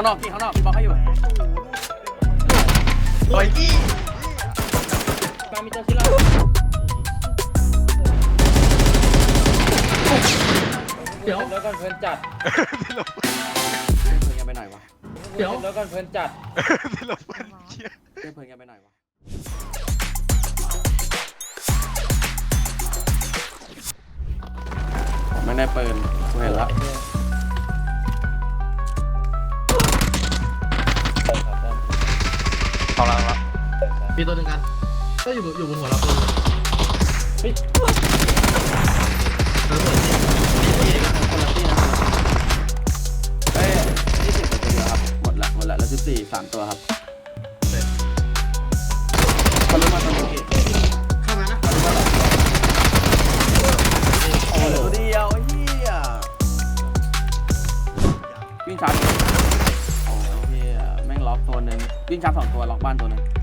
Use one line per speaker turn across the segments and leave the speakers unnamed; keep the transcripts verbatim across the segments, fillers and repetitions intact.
างนอกพี่ข้างนอกพี่บล็อกให้อยู่โอ้ยพี่
มามีตัวชิล่าเดี๋ยวแล้วกันเพื่อนจัด
เพื่อนกันไปไหนวะ
เดี๋ยวแล้วกันเพื่อนจัด
เพื่อนเพื่อนกันไปไหนวะไม่ได้เปิดกูเห็นแล้ว
เอาละละ
มีตัวหนึ่งกันก็อยู่อยู่บนหัวเราตัว
เฮ้ย
ระเบิดนี่
คนละที่นะเฮ้ยยี่สิบตัวเดียวครับหมดละหมดละแล้วสิบสี่สามตัวครับเขารู้มาตอนนี้
เข้ามานะ
เขารู้มาหลายตัวโอ้เหลือตัวเดียวไอ้เหี้ยวิ่งชาร์จโอ้เหี้ยแม่งล็อกตัวหนึ่งวิ่งชาร์จสองตัวล็อกบ้านตัวหนึ่ง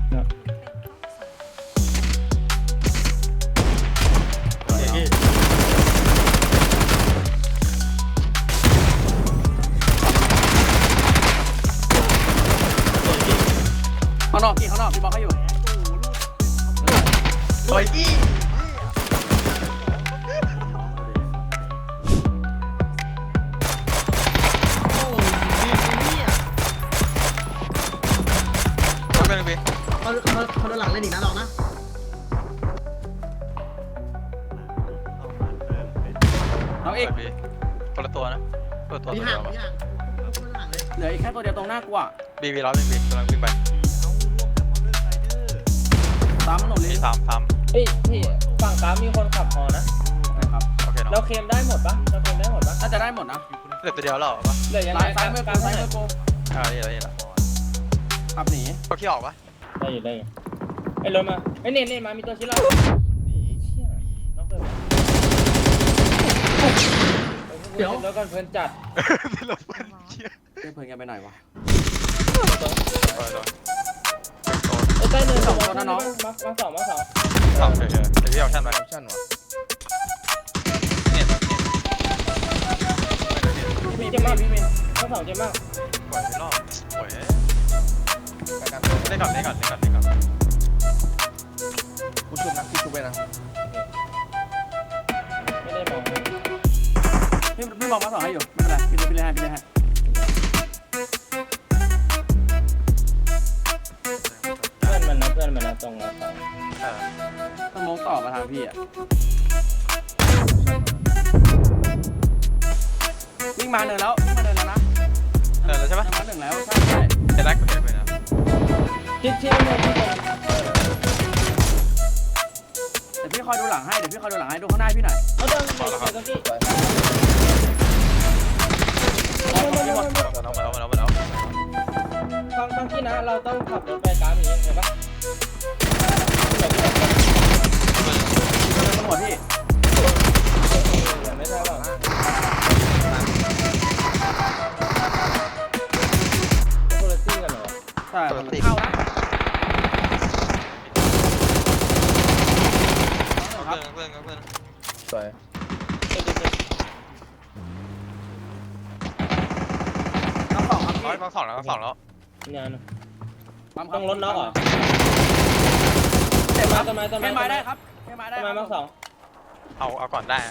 ข้างนอกพี่ข้างนอกพี่บล็อกให้อยู่โอ้ยพี่
เขาเป็นพี่
เขาเขาเขาโดนหลังเล่นอีกนะลองนะ
น้องเอก
พี่คนละตัวนะคนละตัว
มี
ตัว
ห่า
เดียว
งมีห่าง
เหลืออีกแค่ตัวเดียวตรงหน้ากูอ่ะ
บีบีร้อยหนึ่งบีกำลังวิ่งไป
ตามถนนเลย
มีสามสาม
เฮ้ยพี่ฝั่งกราฟมีคนขับฮอนะ
นะครับ
โอเคเนาะ
เราเคลมได้หมดปะเราเคลมได้หมดปะ
น่าจะได้หมดนะ
เหลือตัวเดียวแล้วปะ
เหลือยังไง
ซ้ายมือกูซ้ายมือกู
อ่านี่แล้วนี่แล้ว
ขับหนี
เขาขี้ออกปะ
ได้อยู่ได้อยู่ไอ้รถมาไอ้เนนเนนมามีตัวชิล่าเดี๋ยวแล้วกันเพื่อนจัด
เพื่อนเพื่อนกันไปไหนวะ
ไอ้ใต้เนินสองตัวน้องมามาสองมาสอง
สองเฉยๆแต่พี่เอาชั่นไป
ชั่นวะ
เนี่ย
พี่เจ็บมากพี่เมย์มาสองเจ็บมาก
ปล่อยไปรอบปล่อยเล่นก่อนเล่นก่อนเล่นก่อนเล่นก่อน
กูชุบนะกูชุบไปนะ
ไม่ได้มอง
พี่พี่มองมาสองให้อยู่ไม่เป็นไรพี่พี่เล่นให้พี่เล่นให้
เพื่อนมันนะเพื่อนมันนะตรงเรา
ต้องมองต่อมาทางพี่อ่ะวิ่งมาเนินแล้ววิ่งมาเนินแล้วนะ
เออแล้วใช่ปะ
มาหนึ่งแล้วใช่ใช่
เห็นแล้วกูเห็นไปนะ
ชิดชิดเลยชิดเลย
เดี๋ยวพี่คอยดูหลังให้เดี๋ยวพี่คอยดูหลังให้ดูข้างหน้าพี่หน่อย
เอาเดินไปตรงที่
มาแล้วมาแล้วมาแล้ว
ฟังฟังที่นะเราต้องขับรถไปกราฟอย่างนี้ใช่ปะ
ตำรวจพี่
ไม่ใช่หรอคนละที่กันเหรอ
ใช่คนละเข้านะ
เพื่อนเพื่อนเพื่อน
สวย
น้ำสองครับพี่
ร้อยมาสองแล้วมาสองแล้ว
งานต้องลดน็อกเหรอ
เต็มครับ
ต้นไม้ต้นไม้
แค่ไม้ได้ครับแค่ไม้ได้
ต้นไม้มาสอง
เอาเอาก่อนได้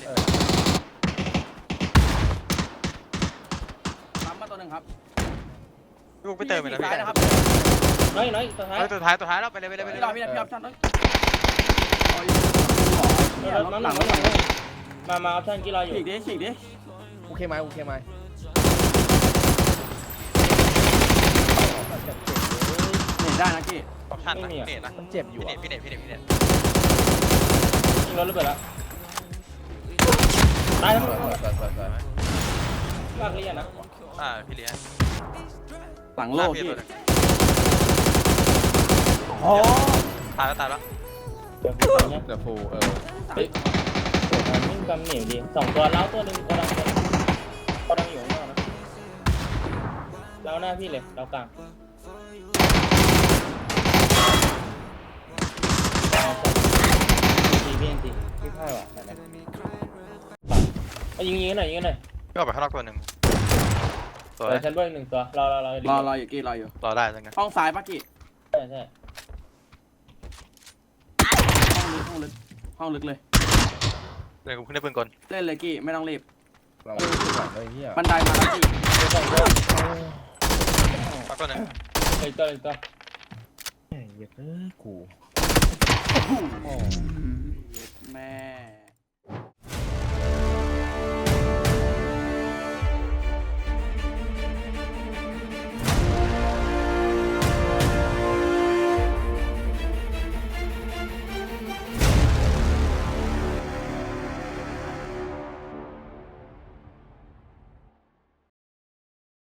ทำมาตัวหนึ่งครับ
ลูกไปเติมไปแล้วพี่
นะครับ
น้อยน้อยตัวท้าย
ตัวท้ายตัวท้ายแล้วไปเลยไปเลยไปเลย
พี่รอพี่รอพี่รอชั่นเลย
รถมาหลังมามาออปชั่นกี่รออยู่
ฉีกดิฉีกดิ
โอเคไหมโอเคไหม
เห็นได้นะกี้
ออปชั่นนะพี่เนตนะ
มันเจ็บอยู่
พี่เนตพี่เนตพี่เนตพี่เนต
ยิงรถระเบิดแล้วตายทั้งหมดลากเรียนนะ
อ่าพี่เลี้ยง
หลังโลกพี่
โอ้ตายแล้วตายแล้ว
เดี๋ยว
เดี๋ยวฟูเออ
เฮ้ยมันวิ่งกำเหนียวดีสองตัวเล้าตัวหนึ่งตัวดังตัวตัวดังอยู่ข้างนอกนะเล้าหน้าพี่เลยเล้ากลางทีพี่ทีพี่พ่ายว่ะแต่ไหนเอายิงยิงหน่อยยิงหน่อย
ก็ออกไปข้างนอกตัวหนึ่งสวย
เดี๋ยวชั้นบนอีกหนึ่งตัวรอรอรอ
รอรออยู่กี้รออยู่
รอได้จังไง
ห้องซ้ายปะกี้
ใช่ใช่
ห้องลึกห้องลึกห้องลึกเลย
เดี๋ยวกูขึ้นได้ปืนกล
เล่นเลยกี้ไม่ต้องรีบ
เราดูก่อนเลยเฮีย
บันไดมาแล้วกี้
เดี๋ยวสองตัว
ปักตัวหนึ่ง
อีกตัวอีกตัว
เฮ้ยเอ้ยกู
แม่